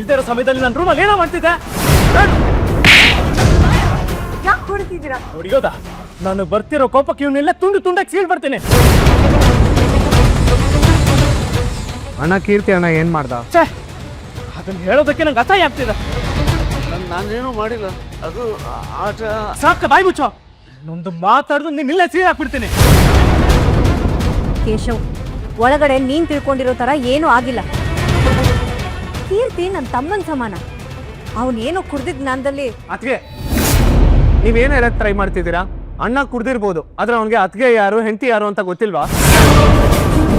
ಇಲ್ದೇ ಇರೋ ಸಮಯದಲ್ಲಿ ನನ್ನ ರೂಮಲ್ಲಿ ಏನೋ ಮಾಡ್ತಿದ್ದೆ. ಯಾಕೆ ಹೊಡಿತಿದ್ದೀರಾ? ಹೊಡಿಯೋದಾ? ನಾನು ಬರ್ತಿರೋ ಕೋಪಕ್ಕೆ ಇವನ್ನೆಲ್ಲ ತುಂಡು ತುಂಡಾಗಿ ಸೀಳ್ ಬರ್ತೀನಿ. ಅಣ್ಣ ಕೀರ್ತಿ ಅಣ್ಣ ಏನ್ ಮಾಡ್ದ? ಛೇ, ಅದನ್ನ ಹೇಳೋದಕ್ಕೆ ನಂಗೆ ಅಸಹ್ಯ ಆಗ್ತಿದೆ. ನಾನೇನು ಮಾಡಿಲ್ಲ, ಅದು ಆಟ. ಸಾಕ, ಬಾಯಿ ಮುಚ್ಚೋ. ಇನ್ನೊಂದು ಮಾತಾಡಿದ್ರು ನಿನ್ನೆಲ್ಲ ಸೀಳ್ ಹಾಕ್ಬಿಡ್ತೀನಿ. ಕೇಶವ್, ಒಳಗಡೆ ನೀನ್ ತಿಳ್ಕೊಂಡಿರೋ ತರ ಏನೂ ಆಗಿಲ್ಲ. ಕೀರ್ತಿ ನನ್ನ ತಮ್ಮನ ಸಮಾನ. ಅವನೇನೋ ಕುಡ್ದಿದ್ ಜ್ಞಾನದಲ್ಲಿ. ಅತ್ಗೆ ನೀವೇನು ಹೇಳಕ್ ಟ್ರೈ ಮಾಡ್ತಿದ್ದೀರಾ? ಅಣ್ಣ ಕುಡ್ದಿರ್ಬೋದು, ಆದ್ರೆ ಅವನಿಗೆ ಅತ್ಗೆ ಯಾರು ಹೆಂಡತಿ ಯಾರು ಅಂತ ಗೊತ್ತಿಲ್ವಾ?